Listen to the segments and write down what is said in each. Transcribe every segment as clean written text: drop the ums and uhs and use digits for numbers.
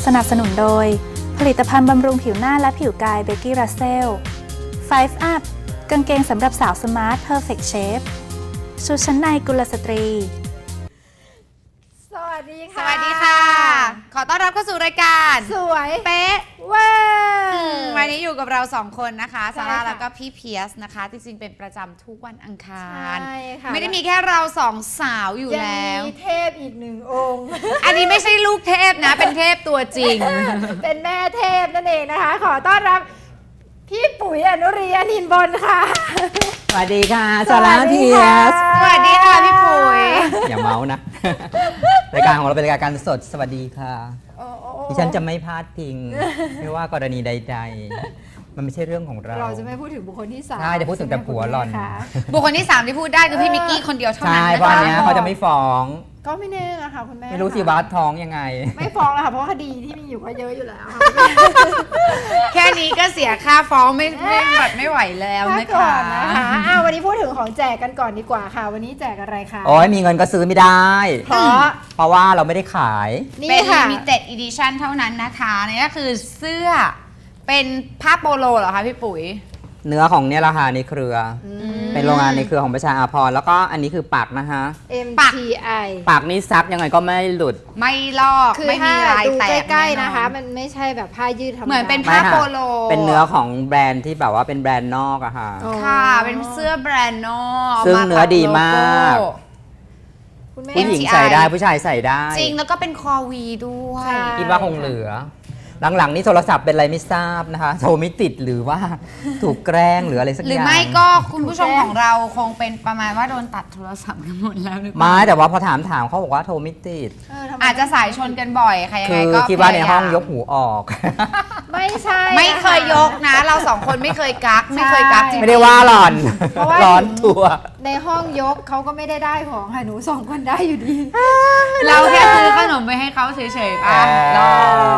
สนับสนุนโดยผลิตภัณฑ์บำรุงผิวหน้าและผิวกายเบกกี้รัสเซล 5 Up กางเกงสำหรับสาวสมาร์ท Perfect Shape ชุดชั้นในกุลสตรีสวัสดีสค่ะวัสดีค่ะ ขอต้อนรับเข้าสู่รายการสวยเป๊ะเว้ยวันนี้อยู่กับเราสองคนนะคะใช่ซาร่าค่ะแล้วก็พี่เพียสนะคะจริงๆเป็นประจำทุกวันอังคารใช่ค่ะไม่ได้มีแค่เราสองสาวอยู่แล้วยังมีเทพอีกหนึ่งองค์อันนี้ไม่ใช่ลูกเทพนะ เป็นเทพตัวจริงเป็นแม่เทพนั่นเองนะคะ ขอต้อนรับพี่ปุ๋ยอนุรีอนินบนค่ะสวัสดีค่ะซาร่าสวัสดีเพียค่ะสสวัสดีค่ะพี่ปุ๋ยอย่าเมาส์นะ รายการของเราเป็นรายการสดสวัสดีค่ะโอ้โอ้ดิฉันจะไม่พลาดพิง ไม่ว่ากรณีใดๆ มันไม่ใช่เรื่องของเราเราจะไม่พูดถึงบุคคลที่สามใช่จะพูดถึงแต่ผัวหล่อนค่ะบุคคลที่ 3 ที่พูดได้คือพี่มิกกี้คนเดียวเท่านั้ใช่นเพราะนะอันเนี้ยคะเขาจะไม่ฟ้องก็ไม่แน่นะคะคุณแม่ไม่รู้สิว่าท้องยังไงไม่ฟ้องแล้วค่ะเพราะว่าคดีที่มีอยู่ก็เยอะอยู่แล้วค่ะแค่นี้ก็เสียค่าฟ้องไม่ไหวแล้วพันะกก่อคะนนะคะวันนี้พูดถึงของแจกกันก่อนดีกว่าค่ะ วันนี้แจกอะไรคะโอ้ยมีเงินก็ซื้อไม่ได้เพราะเพราะว่าเราไม่ได้ขายนี่เป็นค่ะ limited edition เท่านั้นนะคะนี่ก็คือเสื้อเป็นผ้าโปโลเหรอคะพี่ปุ๋ยเนื้อของเนี่ยราคาในเครืออเป็นโรงงานในเครือของประชาอาภรณ์แล้วก็อันนี้คือปักนะคะ MTI ปักนี่ซักยังไงก็ไม่หลุดไม่ลอกคือไม่มีถ้าลายดูแตกใกล้ๆแอนะคะ มันไม่ใช่แบบผ้ายืดธรรมดาเหมือนเป็นไม่ผ้าค่ะโปโลเป็นเนื้อของแบรนด์ที่แบบว่าเป็นแบรนด์นอกอะค่ะอ๋อค่ะ เป็นเสื้อแบรนด์นอกซึ่งเนื้อดีมากคุณแม่ผู้หญิง MTI ใส่ได้ผู้ชายใส่ได้จริงแล้วก็เป็นคอวีด้วยใช่คิดว่าคงเหลือ หลังๆนี่โทรศัพท์เป็นอะไรไม่ทราบนะคะโทรไม่ติดหรือว่าถูกแกล้งหรืออะไรสักอย่างหรือไม่ก็คุณผู้ชมของเราคงเป็นประมาณว่าโดนตัดโทรศัพท์กันหมดแล้วหรือเปล่าไม่แต่ว่าพอถามเขาบอกว่าโทรไม่ติดทำไมอาจจะสายชนกันบ่อยค่ะยังคืไงอก็คิดว่าในห้องพยกหูออกไม่ใช่ไม่เคยยกนะ เราสองคนไม่เคยกักไม่เคยกักจริงๆไม่ได้ว่าหล่อนเพราะว่าร้อนตัวในห้องยกเขาก็ไม่ได้ของค่ะหนูสองคนได้อยู่ดีเราแค่ซื้อขนมไปให้เขาเฉยๆป่ะหลอก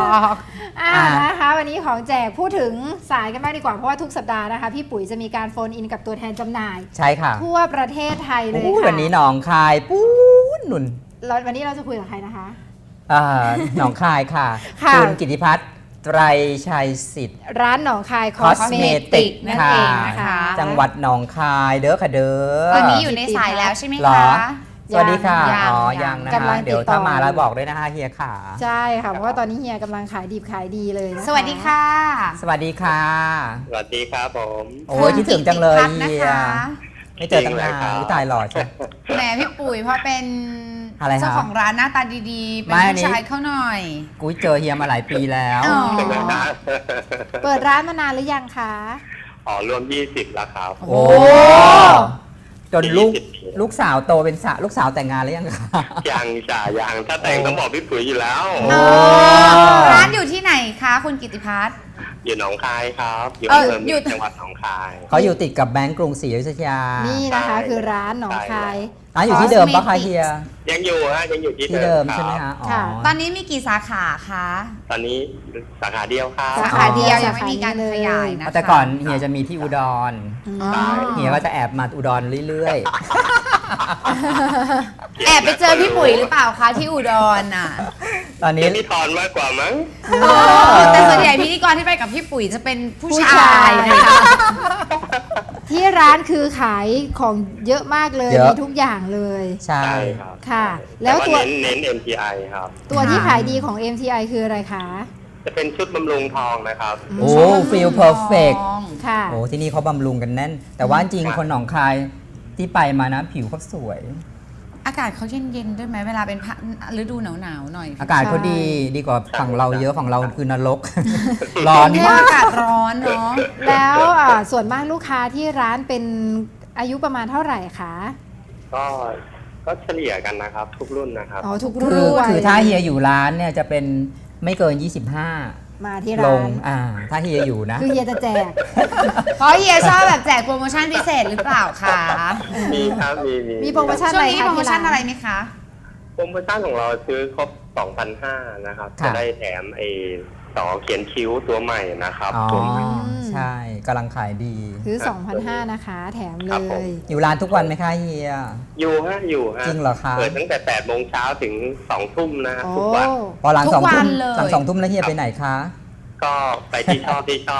นะคะวันนี้ของแจกพูดถึงสายกันบ้างดีกว่าเพราะว่าทุกสัปดาห์นะคะพี่ปุ๋ยจะมีการโฟนอินกับตัวแทนจำหน่ายใช่ค่ะทั่วประเทศไทยเลยอู้ค่ะวันนี้หนองคายปู๊ดหนุนวันนี้เราจะคุยกับใครนะคะหนองคายค่ะค่ะคุณกิติพัฒน์ไตรชัยสิทธิ์ร้านหนองคายคอสเมติ Cosmetic กนั่นเองนะคะจังหวัดหนองคายเด้อค่ะเด้อตอนนี้อยู่ในสายแล้วใช่ไหมเหรอคะสวัสดีค่ะยังอ๋อยัยังงนะกำลัคะงติดต่อเดี๋ยวถ้ามาแล้วบอกด้วยนะคะเฮียขาใช่ค่ะเพราะว่าตอนนี้เฮียกำลังขายดิบขายดีเลยนะคะสวัสดีค่ะสวัสดีค่ะสวัสดีครับผมโอ้ยคิดถึงจังเลยคุณกิติพัฒน์เฮีนะยคะไม่เจอตั้งนานจริงเลยครับอุ๊ยตายหล่อใช่แหมพี่ปุ๋ยเพราะเป็นอะไรคะเจ้าของร้านหน้าตาดีๆ เป็นไม่อันนี้ผู้ชายเขาหน่อยกุ้ยเจอเฮียมาหลายปีแล้วอ๋อเปิดร้านมานานหรือยังคะอ๋อรวม 20แล้วครับโอ้จนลูก 20ปีลูกสาวโตเป็นลูกสาวแต่งงานแล้วยังคะยังจ่ายังถ้าแต่งต้องบอกพี่ปุ๋ยอยู่แล้วโอ้ร้านอยู่ที่ไหนคะคุณกิติพัฒน์อยู่หนองคายครับ อยู่เอออำเภออยู่เมืองจังหวัดหนองคายเขาอยู่ติดกับแบงก์กรุงศรีอยุธยานี่นะคะคือร้านหนองคายร้านอยู่ที่เดิมปะคะเฮียยังอยู่ฮะยังอยู่ที่ที่เดิมครับใช่ไหมคะอ๋อค่ะตอนนี้มีกี่สาขาคะตอนนี้สาขาเดียวครับสาขาเดียวอ๋อยังไม่มีการขยายนะคะแต่ก่อนเฮียจะมีที่อุดรอ๋อเฮียก็จะแอบมาอุดรเรื่อยแอบไปเจอพี่ปุ๋ยหรือเปล่าคะที่อุดรน่ะๆ ตอนนี้เป็นพี่ทอนมากกว่ามั้งแต่ส่วนใหญ่พิธีกรที่ไปกับพี่ปุ๋ยจะเป็นผู้ผู้ชาชายยนะนะคะที่ร้านคือขายของเยอะมากเลยเยอะมีทุกอย่างเลยใช่ใช่ครับค่ะแล้แล้ว วตัตัว วเน้น MTI ครับตัวที่ขายดีของ MTI คืออะไรคะจะเป็นชุดบำรุงทองนะครับโอ้ฟีลเพอร์เฟกค่ะโอ้ที่นี่เขาบำรุงกันแน่น แต่ว่าจริงคนหนองคายที่ไปมานะผิวเขาสวยอากาศเขาเย็นๆด้วยไหมเวลาเป็นฤดูหนาวๆหน่อยอากาศเขาดีกว่าฝั่งเราเยอะฝั่งเราคือนรก ร้อนเนี่ยมากอากาศร้อนเนาะแล้วส่วนมากลูกค้าที่ร้านเป็นอายุประมาณเท่าไหร่คะก็เฉลี่ยกันนะครับ ทุกรุ่นนะครับอ๋อทุกรุ่นคือถ้าเฮียอยู่ร้านเนี่ยจะเป็นไม่เกินมาที่ 25 ลร้าง นถ้าเฮียอยู่นะคือเฮียจะแจกเพราะเฮียชอบแบบแจกโปรโมชั่นพิเศษหรือเปล่าคะมีครับมีมีโปรโมชั่นช่วงนี้โปรโมชั่นอะไรไหมคะโปรโมชั่นของเราซื้อครบ 2,500 นะครับค่ะจะได้แถมต่อเขียนคิ้วตัวใหม่นะครับอ๋อตัวใหม่ใช่กำลังขายดีซื้อ 2,500 นะคะ แถมเลครับผมยอยู่ร้านทุกวันไหมคะเฮียอยู่ฮะจริงเหรอคะเปิดตั้งแต่8 โมงเช้าถึง2 ทุ่มนะฮะโอ้ทุกวันพอหลังทุกสองทุ่มวันเลยหลังสองทุ่มแล้วเฮียไปไหนคะก็ไปที่ชอบที่ชอบ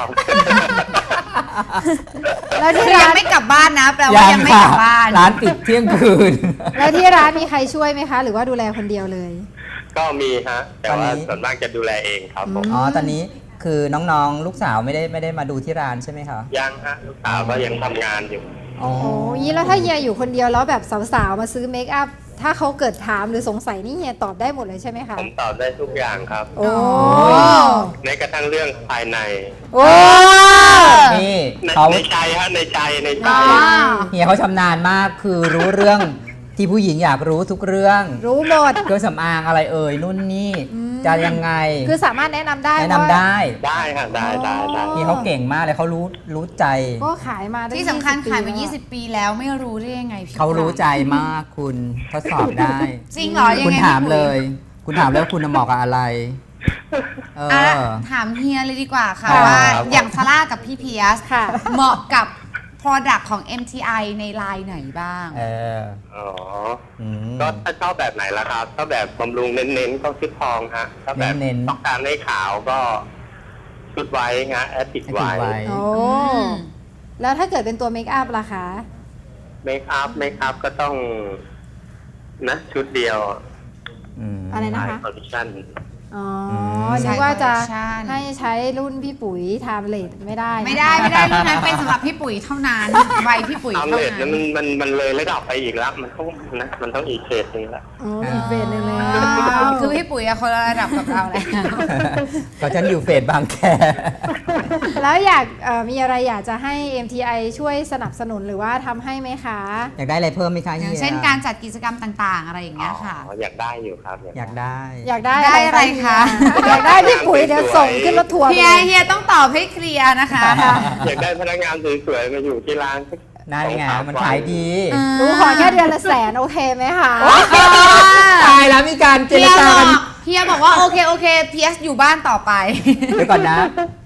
แล้วที่คือยัร้าง นไม่กลับบ้านนะแปลว่ายังไม่กลับบ้านร้านปิดเที่ยงคืนแล้วที่ร้านมีใครช่วยไหมคะ หรือว่าดูแลคนเดียวเลยก็มีฮะ แต่ว่าตอนนี้ส่วนมากจะดูแลเองครับผมอ๋อตอนนี้คือน้องๆลูกสาวไม่ได้มาดูที่ร้านใช่ไหมคะยังฮะลูกสาวก็ยังทำงานอยู่อ๋อโอ้ยแล้วถ้าเฮียอยู่คนเดียวแล้วแบบสาวๆมาซื้อเมคอัพ ถ้าเขาเกิดถามหรือสงสัยนี่เฮียตอบได้หมดเลยใช่ไหมคะผมตอบได้ทุกอย่างครับโอ้แม้กระทั่งเรื่องภายในโอ้นี่ในเขาในใจฮะในใจอ๋อเฮียเขาชำนาญมากคือรู้เรื่องที่ผู้หญิงอยากรู้ทุกเรื่องรู้หมดเครื่องสำอางอะไรเอ่ยนู่นนี่จะยังไงคือสามารถแนะนำได้แนะนำได้ได้ฮะได้ได้ได้เฮียเขาเก่งมากเลยเขารู้ใจก็ขายมาตั้งที่สำคัญ 20 ขายมาแล้ว 20 ปีแล้วไม่รู้ได้ยังไงพี่เขารู้ใจมากคุณทดสอบได้จริงเหรอยังไงคุณถามพี่ปุ๋เลย คุณถามแล้วคุณเหมาะกับอะไร เออ่ะอถามเฮียเลยดีกว่าค่ะครับว่าอย่างซาร่ากับพี่เพียสค่ะเหมาะกับ Product ของ MTI ในไลน์ไหนบ้างเอออ๋ออืมก็ถ้าชอบแบบไหนล่ะครับถ้าแบบบำรุงเน้นๆก็ชุดทองฮะ ถ้าแบบเน้นๆต้องการให้ขาวก็ชุดไว้ฮะแอดติดให้ไว้ติดไว้โอ้มแล้วถ้าเกิดเป็นตัวเมคอัพล่ะคะเมคอัพก็ต้องนะชุดเดียวมอะไรนะไอคะคอลเลคชั่นอ๋อมนึกว่าจะใช่ให้ใช้รุ่นพี่ปุ๋ยไทม์เลทไม่ได้นะไม่ได้รุ่นนั้นเป็นสำหรับพี่ปุ๋ยเท่านั้นใบพี่ปุ๋ยตามเท่าเลทนั้นั้นนมันเลยระดับไปอีกแล้ว มันต้องอีกเขตหนึงละอ๋ออีกเฟสหนึ่งแล้วคือพี่ปุ๋ยอะคนละระดับกับเราแล้วก็ฉันอยู่เฟสบางแคแล้วอยากมีอะไรอยากจะให้ MTI ช่วยสนับสนุนหรือว่าทำให้ไหมคะอยากได้อะไรเพิ่มไหมคะอย่างฮียเช่นการจัดกิจกรรมต่างๆ อะไรอย่างเงี้ยค่ะอ๋ออยากได้อยู่ครับอยากได้อยากได้ได้อะไรคะอยากได้พี่ปุ๋ยเดี๋ยวส่งขึ้นรถทัวร์ไปเฮียเลยเฮียต้องตอบให้เคลียร์นะคะอยากได้พนักงานสวยๆมาอยู่ที่ร้านสักนั่นไง 2-3 มันขายดีหนูขอแค่เดือนละ100,000โอเคไหมคะตายแล้วมีการเจรจากันเฮียบอกว่าโอเคเพียสอยู่บ้านต่อไปเดี๋ยวก่อนนะ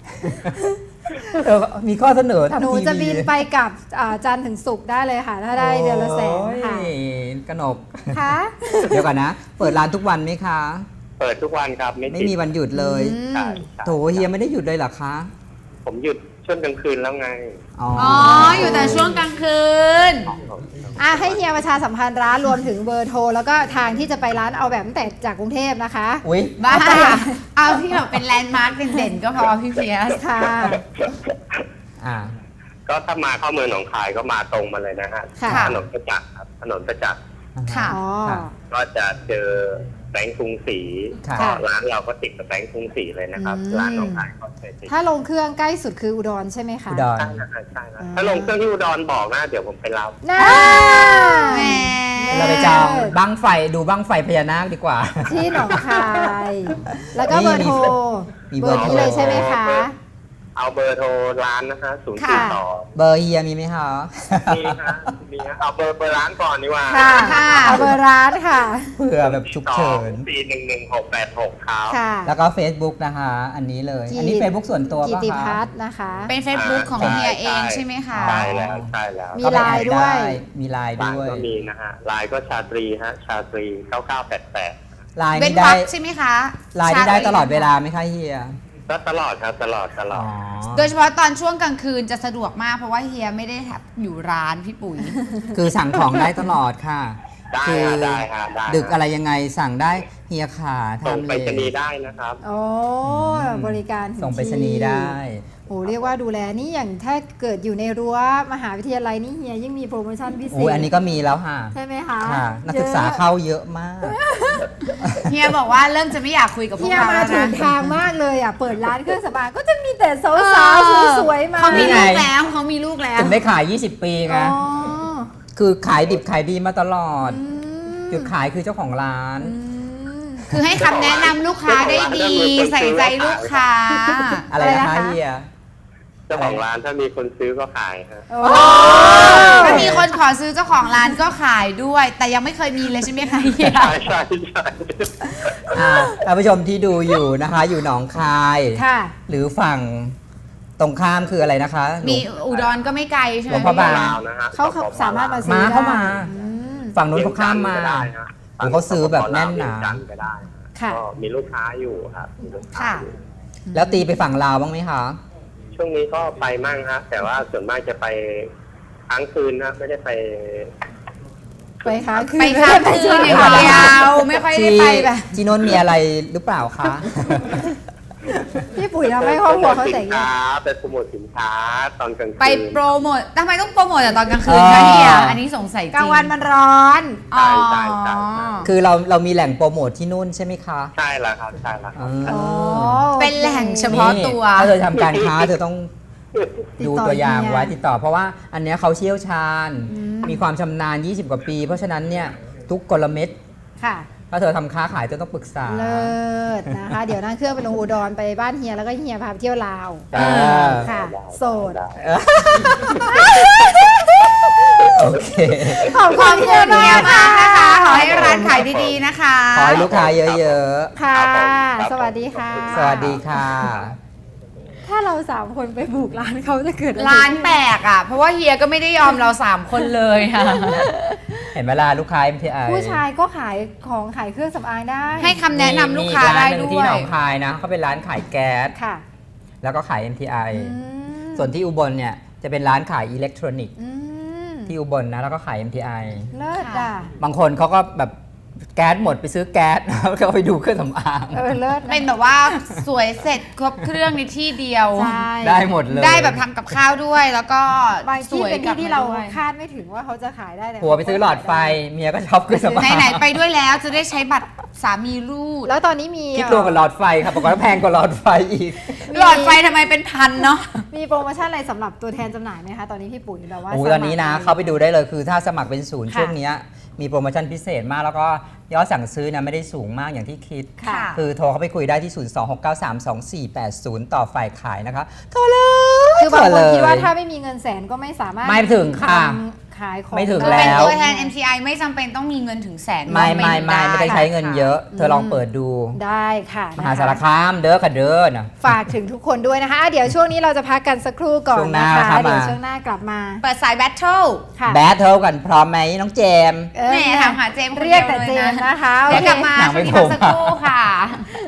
มีข้อเสนอทำหนูทีวีจะบินไปกับจันทร์ถึงศุกร์ได้เลยค่ะ ถ้าได้เดือนละ100,000ค่ะโอ้ยกนกค่ะเดี๋ยวก่อนนะ เปิดร้านทุกวันไหมคะเปิดทุกวันครับไม่ติดมีวันหยุดเลยใช่ใช่โถเฮียไม่ได้หยุดเลยเหรอคะผมหยุดช่วงกลางคืนแล้วไงอ๋ออ๋อ อยู่แต่ช่วงกลางคืนให้เฮียประชาสัมพันธ์ร้านรวมถึงเบอร์โทร แล้วก็ทางที่จะไปร้านเอาแบบตั้งแต่จากกรุงเทพนะคะอุ้ยบ้า เอาที่แบบเป็นแลนด์มาร์คเด่นๆก็พอพี่เพียสค่ะอ่าก็ถ้ามาเข้าเมืองหนองคายก็มาตรงมาเลยนะฮะค่ะถนนประจักษ์ครับถนนประจักษ์ค่ะอ๋อค่ะก็จะเจอแบงค์กรุงศรีค่ะก็ร้านเราก็ติดกับแบงค์กรุงศรีเลยนะครับอืมร้านหนองคายก็ใช่ติดถ้าลงเครื่องใกล้สุดคืออุดรใช่ไหมคะอุดรใช่นะใช่นะถ้าลงเครื่องที่อุดรบอกนะเดี๋ยวผมไปรับน่าแหมเราไปจองบั้งไฟดูบั้งไฟพญานาคดีกว่าที่หนองคาย แล้วก็เบอร์โทรมีเบเบออร์ร์โทรนี้เลยใช่ไหมคะเอาเบอร์โทรร้านนะคะ0 ค่ะ 4 2 เบอร์เฮียมีไหมคะมีฮะมีฮะเอาเบอร์ร้านก่อนดีกว่าค่ะค่ะเอาเบอร์ร้านค่ะเผื่อแบบฉุกเฉิน 4111686ครับค่ะแล้วก็ Facebook นะคะ อันนี้เลย อันนี้ Facebook ส่วนตัวกิป่ะติคะพัฒน์นะคะเป็น Facebook ของใช่เฮียเองใช่ใช่ไหมคะใช่แล้วใช่แล้วมีไลน์ด้วยมีไลน์ร้านด้วยก็มีนะฮะไลน์ก็ชาตรีฮะชาตรี9988 ไลน์เว้นนี่วรได้รคใช่ไหมคะไลน์นี่ได้ตลอดเวลาไหมคะเฮียก็ตลอดครับตลอดอ๋อโดยเฉพาะตอนช่วงกลางคืนจะสะดวกมากเพราะว่าเฮียไม่ได้อยู่ร้านพี่ปุ๋ยคือสั่งของได้ตลอดค่ะได้คืฮะได้ฮะได้ดึกอะไรยังไงสั่งได้เฮียขาส่งทำไปเลรษณียย์ได้นะครับโอ้บริการถึส่งไปรษณีย์ได้โอ้เรียกว่าดูแลนี่อย่างถ้าเกิดอยู่ในรั้วมหาวิทยาลัยนี่เฮียยิ่งมีโปรโมชั่นพิเศโอ้ยษอันนี้ก็มีแล้วค่ะใช่ไหมคะค่ะ นักศึกษาเข้าเยอะมากเฮียบอกว่าเริ่มจะไม่อยากคุยกับพวเฮีกยเรามาแล้วถึนะงทางมากเลยอ่ะ เปิดร้านเครื่องสำอางก็จะมีแต่สาวๆสวยๆมาเขามีนี่ไงลูกแล้วเขามีลูกแล้วถึงได้ขาย 20 ปีไงอ๋อคือขายดิบขายดีมาตลอดอืมจุดขายคือเจ้าของร้านอืมคือให้คำแนะนำลูกค้าได้ดี ใส่ใจลูกค้าอะไรอะไรนะนะคะ คะเฮียเจ้าของร้านถ้ามีคนซื้อก็ขายฮะโอ้ถ้ามีคนขอซื้อเจ้าของร้านก็ขายด้วย แต่ยังไม่เคยมีเลยใช่ไหมคะเฮียใช่ใช่ใช่ท่านผู้ชมที่ดูอยู่นะคะ อยู่หนองคายค่ะหรือฝั่งตรงข้ามคืออะไรนะคะมีอุดรก็ไม่ไกลใช่ไหหลมวงพระบางลาวนะฮะเขาสามารถมาซื้อมาเข้ามาอืมฝั่งนู้นเขาข้ามมาก็ได้ฮะโอ้เขาซื้อแบบแน่นหนาเวียงจัทร์ก็ได้ค่ะก็มีลูกค้าอยู่ครับมีลูกค้าค่ะอยู่แล้วตีไปฝั่งลาวบ้างไหมคะช่วงนี้ก็ไปมั่งฮะแต่ว่าส่วนมากจะไปค้างคืนนะไม่ได้ไปไปค้างคืนไปค้างคืนอย่างเดียวไม่ค่อยได้ไปแบบจีนนท์มีอะไรหรือเปล่าคะพี่ปุ๋ยทำให้ครอบครัวเขาแต่งสินงาค้าน ไปโปรโมทสินค้าตอนกลางคืนไปโปรโมททำไมต้องโปรโมทแต่ตอนกลางคืนเออคะเนี่ยอันนี้สงสัยจริงกลางวันมันร้อนอ๋อใช่คือเรามีแหล่งโปรโมทที่นู่นใช่ไหมคะใช่แล้วครับใช่แล้วครับอ๋อเป็นแหล่งเฉพาะตัวนี่ถ้าเธอทำการค้าเธอต้องติดดูต่อตัวอย่างเฮียไว้ติดต่อ เพราะว่าอันเนี้ยเขาเชี่ยวชาญอืมมีความชำนาญ 20 กว่าปี เพราะฉะนั้นเนี่ยทุกกลเม็ดค่ะถ้าเธอทำค้าขายเธอต้องปรึกษาเลิศนะคะ เดี๋ยวนั่งเครื่องไปลงอุดรไปบ้านเฮียแล้วก็เฮียพาไปเที่ยวลาวเออค่ะ โสดได้โอเคขอบขอบคุณคุณเฮีเฮียยมามากกนะนะคะ คะขอให้ร้านขายดีๆนะคะขอให้ลูกค้าเยอะค่ะครับผมสวัสดีค่ะๆ สวัสดีค่ะถ้าเราสามคนไปบุกร้านเขาจะเกิดอะไรร้านแปลกอ่ะ เพราะว่าเฮียก็ไม่ได้ยอมเรา 3 คนเลยค่ะเห็นเวลาลูกค้า MTI ผู้ชายก็ขายของขายเครื่องสำอางได้ให้คำแนะนำลูกค้ามีได้ร้นหนึ่ด้งที่วหนยองคายนะเขาเป็นร้านขายแก๊สค่ะแล้วก็ขาย MTI อืมส่วนที่อุบลเนี่ยจะเป็นร้านขายอิเล็กทรอนิกส์อืมที่อุบลนะแล้วก็ขาย MTI เลิศอ่ะบางคนเขาก็แบบแก๊สหมดไปซื้อแก๊ส แล้วก็ไปดูเครื่องสำอางเลิศะเป็นแบบว่าสวยเสร็จครบเครื่องในที่เดียวใช่ได้หมดเลยได้แบบทำกับข้าวด้วยแล้วก็บางสที่วยเป็นกลัที่บที่มาเราด้วยคาดไม่ถึงว่าเขาจะขายได้แต่ผัวไปซื้อหลอดไฟ เมียก็ชอบเครื่องสำอางไหนๆไปด้วยแล้วจะได้ใช้บัตรสามีรูดแล้วตอนนี้มีคิดรวมกับหลอดไฟครับปรากฏว่าแพงกว่าหลอดไฟอีกหลอดไฟทำไมเป็นพันเนาะมีโปรโมชั่นอะไรสำหรับตัวแทนจำหน่ายไหมคะ ตอนนี้พี่ปุ๋ยแบบว่าโอ้สมัครตอนนี้นะเข้าไปดูได้เลยคือถ้าสมัครเป็นศูนย์ค่ะช่วงเนี้ยมีโปรโมชั่นพิเศษมากแล้วก็ยอดสั่งซื้อนะไม่ได้สูงมากอย่างที่คิดค่ะคือโทรเข้าไปคุยได้ที่ 026932480 ต่อฝ่ายขายนะคะ โทรเลยคือบางคนโทรเลยคิดว่าถ้าไม่มีเงินแสนก็ไม่สามารถไม่ถึงค่ะทำขายของไม่ถึงคือแล้เป็นวตัวแทน MTI ไม่จำเป็นต้องมีเงินถึงแสนไม่ได้ใช้เงินเยอะ เธอลองเปิดดูได้ค่ะมนะคะหาสารคามเด้อค่ะเด้อนะฝากถึงทุกคนด้วยนะคะอ่ะเดี๋ยวช่วงนี้เราจะพักกันสักครู่ก่อนช่วงหนะน้าคะครับเดี๋ยวมาช่วงหน้ากลับมาเปิดสายแบทเทิลค่ะแบทเทิลกันพร้อมไหมน้องเจมส์เออแหม่ถามหาเจมส์คนเรียกเดียวแต่เลยเจนะมส์นะคะเดี๋ยวกลับมาหนังช่ไม่วงนี้โผล่พักสักครู่ค่ะ